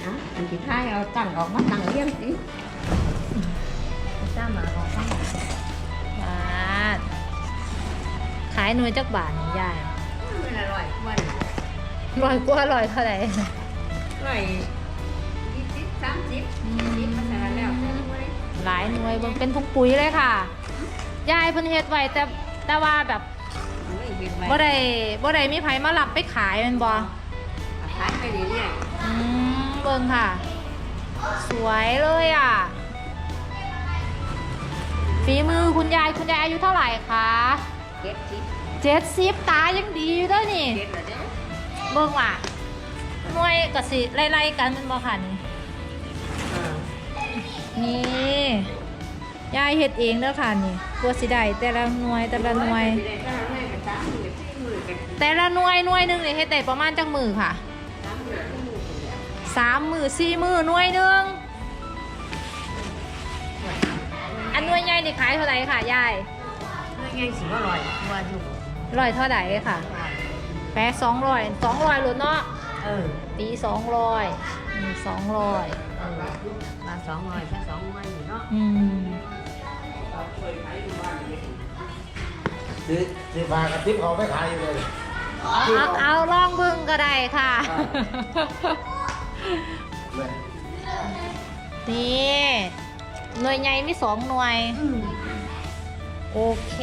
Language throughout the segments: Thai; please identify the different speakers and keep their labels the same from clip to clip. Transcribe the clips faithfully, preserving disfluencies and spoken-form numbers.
Speaker 1: อันที่ท้ายเอาตั้งออกมาตั้งเลี้ยงสิจ้ามาออกมา
Speaker 2: บาทขายหน่วยจักบาทนี่ยาย
Speaker 1: ไม่อร่อยวัน
Speaker 2: ร้อยกว่าร้อยเท่าไหร่
Speaker 1: อร่อยยี่สิบสามสิบยี่สิบมาแต่แล้ว
Speaker 2: หลายหน่วยเบิ่งเป็นถุงปุ๋ยเลยค่ะยายเพิ่นเฮ็ดไว้แต่แต่ว่าแบบบ่ได้บ่ได้มีไผมารับไปขายแม่นบ่
Speaker 1: ขายไปเรื่อย
Speaker 2: อืมเบิ่งค่ะ สวยเลยอ่ะฝีมือคุณยายคุณยายอายุเท่าไหร่คะ
Speaker 1: ๆเก็บสิ
Speaker 2: เจ็ดสิบตายังดีอยู่เด้อนี่
Speaker 1: เก็บแล้วเด้อ
Speaker 2: เบิ่งว่ะหน่วยก็สิไล่ๆกันแม่นบ่ค่ะนี่นี่ยายเฮ็ดเองเด้อค่ะนี่ตัวสิได้แต่ละหน่วยแต่ละหน่วย แต่ละหน่วยหน่วยหนึงนี่เฮ็ดได้ประมาณจักมือค่ะสามมือสี่มือหน่วยหนึงอันหน่วยใหญ่นี่ขายเท่าไหร่ค่ะยาย
Speaker 1: ไม่ไงสิว่าอร่อยว่าอยู่
Speaker 2: ร้อยเท่าไหร่ค่ะแปะสองร้อยสองร้อยหลุดเนาะ
Speaker 1: เออ
Speaker 2: ตีสองร้อยมีสองร้อย
Speaker 1: เออมาสองร้อยแค่สองร้อยอยู่เนาะ
Speaker 2: อืม
Speaker 3: ซื้อซื้อปลากระติบเขาไม่ขายอยู่เลย
Speaker 2: เอาเอาลองเบิ่งก็ได้ค่ะ นี่หน่วยใหญ่มีสองหน่วย โอเค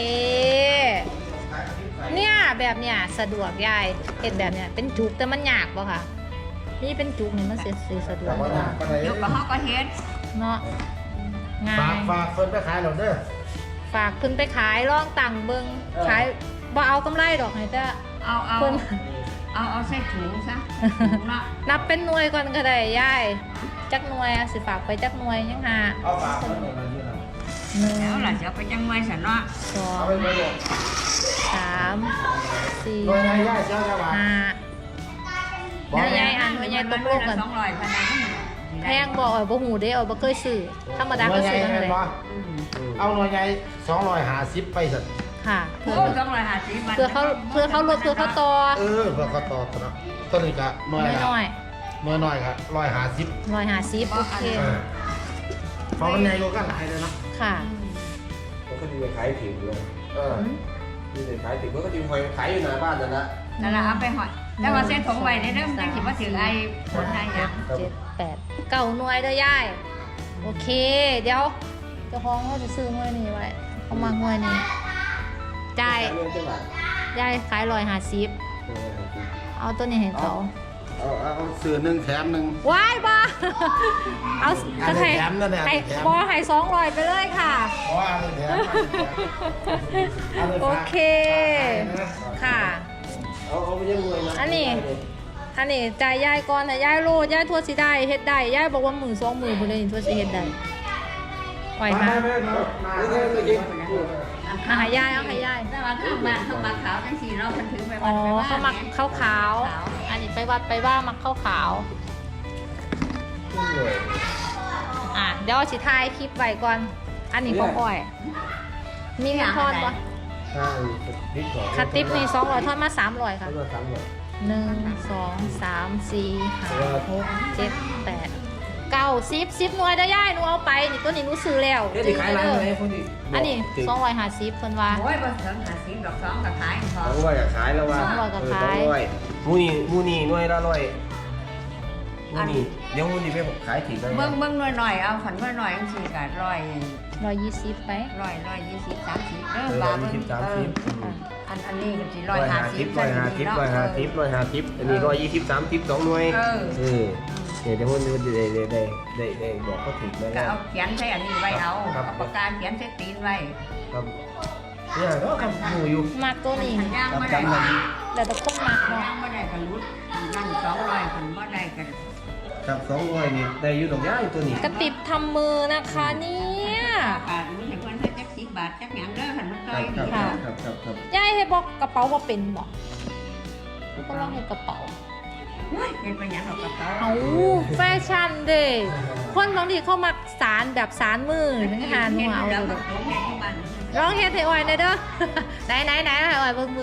Speaker 2: เนี่ยแบบเนี้ยสะดวกยายเห็นแบบเนี้ยเป็นจุกแต่มันยากป่ะค่ะนี่เป็นจุกนี่มันเสียสะดว
Speaker 3: แต่
Speaker 2: ก
Speaker 3: ว่าหนักก็ได้
Speaker 1: ยกกระหอกก็เฮ็ด
Speaker 2: เนาะง่า
Speaker 3: ฝาก
Speaker 2: ย
Speaker 3: ฝากคนไปขายหน่อยเด้อ
Speaker 2: ฝากเพิ่นไปขายลองตังเบิงขายบ่เอากำไรดอกให้แต่
Speaker 1: เอาเอา
Speaker 2: เพิ่น
Speaker 1: เอาเอาใส่ถุงซะถุงละ
Speaker 2: นับเป็นหน่วยก่อนก็ได้ยายจักหน่วยอะสิฝากไปจักหน่วยยังหา
Speaker 3: เอาฝากคนหน่อยมาอยู่นะ
Speaker 2: หนึ่ง
Speaker 1: แล้วล่ะจะเอาไปจังไว้สันเนาะ
Speaker 2: สอ
Speaker 3: เอา
Speaker 2: ง
Speaker 3: ไปไปเลย
Speaker 2: สามสี่
Speaker 3: หน่วยไหนย่าเจ้าจะวาง
Speaker 2: ห้า
Speaker 3: บอก
Speaker 2: หน่วยใหญ่อันหน่วยใหญ่ตกลงกัน
Speaker 1: สองร้อยพันนะ
Speaker 2: แพงบ่อ่อยบ่หูเด้อ่อยบ่เคยซื้อธรรมดา
Speaker 3: หน่
Speaker 2: ก็
Speaker 3: วยใหญ่
Speaker 2: ซื้อนั่น
Speaker 3: เห็
Speaker 2: แห
Speaker 3: น
Speaker 2: ละ
Speaker 3: ปะเอาหน่วยใหญ่สองร้อยห้าสิบไปสัตว์
Speaker 2: ค่ะ
Speaker 1: โอ้สองร้อยห้าสิบ
Speaker 2: เพื่อเขาเพื่อเขาลดเพื่อเขาต่อ
Speaker 3: เออเพื่อเขาต่อตัวเนาะตัวนี้ก็หน่วยละ
Speaker 2: น้อย
Speaker 3: หน่วยน้อยครับร้อยห้าสิบ
Speaker 2: ๆร้อยห้าสิบโอเค
Speaker 3: เออเพราะมันใหญ่กว่ากันหลายเลยเนาะ
Speaker 2: ค่ะ
Speaker 4: มันก็ดีไปขายถึงเลยเออดีไปขายถึงมันก็ดีไปขายอยู่หน้าบ้านนั่นแหละ
Speaker 1: นั่นแหละเอาไปหอยแล้วว่าเส้นถุงไว้ในเรื่องจังสิว่าถือไอ้ผลอะไรอย่าง
Speaker 2: เจ็ดแปดเก้าหน่วยเด้อยายโอเค เดี๋ยวเจ้าของเขาจะซื้อหน่วยนี้ไว้เขามาหน่วยนี้จ่าย
Speaker 4: เรื่องจังหวัด
Speaker 2: ยายขายร้อยห้าสิบเอาตัวนี้ให้เขา
Speaker 3: เอาเอาเอาซื้อหนึ่งแถมหนึ่ง
Speaker 2: ว้ายบ้าเอา
Speaker 3: อันนี้
Speaker 2: ให้
Speaker 3: แถมนั่นแหละ
Speaker 2: ให้
Speaker 3: แถม
Speaker 2: บอให้สองร้อยไปเลยค่ะ
Speaker 3: เพราะว่าอันนี้แถมอันนี้แถม
Speaker 2: โอเค ค่ะ
Speaker 4: เอาเอาไปยังรวยนะ
Speaker 2: อันนี้ อันนี้จ่ายยายก่อนแต่ยายโลดยายทั่วสิได้เฮ็ดได้ยายบอกว่าหมื่นสองหมื่นไปเลยนี่ทั่วสิเฮ็ดได้ไหวไหม
Speaker 3: ไม่ไม่ไม่มา
Speaker 4: ไม่ใช่ไม่จริง
Speaker 2: เอาให้ยายเอาให้ยาย
Speaker 1: แต่ว่าข้างมาข้างมาขาวทั้งสี่เราพันถึงไป
Speaker 2: อ๋
Speaker 1: วั
Speaker 2: อน
Speaker 1: ไปว่า
Speaker 2: เขามักข้าวขาวอันนี้ไปวัดไปว่ามักข้าวขาว
Speaker 4: รวย
Speaker 2: อ่ะเดี๋ยวสิถ่ายคลิปไว้ก่อน อันนี้พ่ออ้อย มีเงินทอนปะ
Speaker 4: ใช่ติ๊กสอง
Speaker 2: คัดติปนี่สองร้อยทอนมาสามร้อยค่ะ
Speaker 4: เขาจะสามร้อย
Speaker 2: หนึ่งสองสามสี่ห้าหกเจ็ดแปดเก้าสิบสิบหน่วยได้ย่ายหนูเอาไปนี่ตัวนี้หนูซื้อแล้ว
Speaker 4: เดี๋ยวจะขายร้านไหนคนที่
Speaker 2: อันนี้สองร้อยห้าสิบคนว่า
Speaker 1: โอ้ยบ่ถึงห้าสิบดอกสองกับขายพอ
Speaker 4: สองร้อยก็ขายแล้วว่า
Speaker 2: สองร้อยก็ขาย
Speaker 4: สองร้อยมูนี่มูนี่หน่วยละร้อยมูนี่เดี๋ยวมูนี่ไปขายถึงได้
Speaker 1: เบิ่งเบิ่งหน่อยๆเอาขันหน่อยๆจังซี่ก็ร้อย
Speaker 2: ร้อยยี่สิบไป
Speaker 1: ร้อยร้อยยี่สิบสามสิบเด้อ
Speaker 4: เออบ
Speaker 1: า
Speaker 4: ร้อย
Speaker 1: เบิ่
Speaker 4: ยี่
Speaker 1: ง
Speaker 4: สิบสามสิบ
Speaker 1: เอออันอันนี้ก็สิร้
Speaker 4: ร้
Speaker 1: อ
Speaker 4: อยย
Speaker 1: ห้า
Speaker 4: ห้า
Speaker 1: สิ
Speaker 4: สิ
Speaker 1: บบ
Speaker 4: ร้อยห้าสิบร้อยห้าสิบร้อยห้าสิบอันนี้ร้อยยี่สิบสามสิบสองหน่วย
Speaker 1: เออ
Speaker 4: เออเดี๋ยวเดี๋ยวมูนี่ได้ได้ได้ได้ได้บอกเขาถึงแล้ว
Speaker 1: ก็เอาเขียนใส่อันนี้ไว้เอา
Speaker 4: ครับ
Speaker 1: เอาปากกาเขียนใส่ตีนไว้
Speaker 4: ครับเนี่ยก็ทำอยู่อยู่
Speaker 2: มักตัวนี้
Speaker 1: ขันย่างบ่
Speaker 4: จำ
Speaker 1: ได้
Speaker 4: จำมัน
Speaker 2: แล้วแต่คนมักเนาะ
Speaker 1: ย่างบ่ได้ก็รุดนั่นสองร้อยขันบ่ได้ก็
Speaker 4: ครับสองร้อยนี่ได้อยู่ดอกย่ายตัวนี้
Speaker 2: กระติบทำมือนะคะเนี่ย
Speaker 1: บาทมันให้เพิ่นให้จักสิบบาทจักหยังเด้อขันมัน
Speaker 4: ค
Speaker 1: ต้อ
Speaker 4: รั
Speaker 1: ย
Speaker 4: บ
Speaker 1: ดี
Speaker 4: ครับ
Speaker 1: ค่ะ
Speaker 4: ครับครับครับ
Speaker 2: ยายให้บอกกระเป๋าว่าเป็นบอกก็ลองให้กระเป๋า
Speaker 1: เฮ้ยเป็นไปหยังดอกกระเป๋า
Speaker 2: เอาแฟชั่นเด้คนบางทีเขามักสารแบบสารมือทั้งหาหนูเอา
Speaker 1: แล้
Speaker 2: เล
Speaker 1: วย ลงแค่ที่บ้าน
Speaker 2: ร้องเฮ็ดให้อ่อยหน่อยเด้อ ไหนไหนไหนให้อ่อยเบิ่งมือ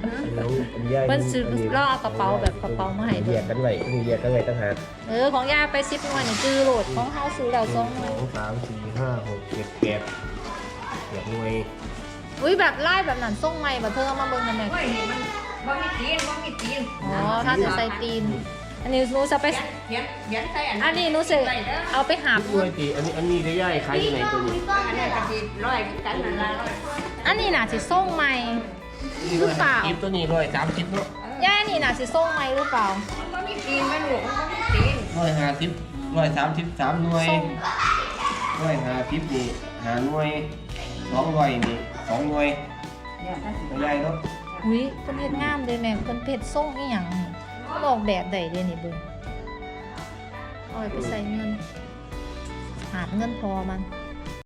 Speaker 2: เพิ่นซื้อล่อเอากระเป๋าแบบกระเป๋ามาให้
Speaker 4: เรี
Speaker 2: เบิ่
Speaker 4: ย
Speaker 2: ง
Speaker 4: กกันไว้นี่เรียกกันไว้ตั้งหาก
Speaker 2: เออของยาไปสิบหน่วยนี่จื้อโหลดของเฮาซื้อแล้วสองหน่วย
Speaker 4: สองสามสี่ห้าหกเจ็ดแปดเรียกหน่วย
Speaker 2: อุ้ยแบบไล่แบบนั้นส่งใหม่บ่เธอเอามาเบิ่งกันแม่
Speaker 1: โอ้ยนี่มันบ่มีตีนบ่มีตีน
Speaker 2: อ๋อถ้าจะใส่ตีน อันนี้หนูจะไป
Speaker 1: เขียนเขียนใส่อัน
Speaker 2: อันนี้หนูสิเอาไปหาบ
Speaker 4: หน่วยตีอันนี้อันนี้ได้ย่ายขายอยู่ไหนตัวนี้
Speaker 1: อันนี้ก็สิร้อยคือกันนั่นล่ะร้อย
Speaker 2: อันนี้น่ะสิส่งใหม่ หรือเปล่า
Speaker 4: คลิปตัวนี้ร้อยสามสิบเนาะ
Speaker 2: ย่านี่น่ะสิส่งใหม่หรือเปล่า
Speaker 1: มันบ่มีตีนมันลูกมันบ่มีตีน
Speaker 4: ร้อยห้าสิบร้อยสามสิบสามหน่วย
Speaker 2: ส่ง
Speaker 4: ร้อยห้าสิบนี่ห้าหน่วยสองร้อยนี่สองหน่วย
Speaker 1: เนี่ยถ้าสิ
Speaker 4: ได้ย่ายเนาะ
Speaker 2: อุ้ยเพิ่นเฮ็ดงามเลยแม่เพิ่นเฮ็ดส่งอีหยังนี่เขาออกแบบได้เด้นี่เบิ่งเอาไปใส่เงินหาบเงินพอมัน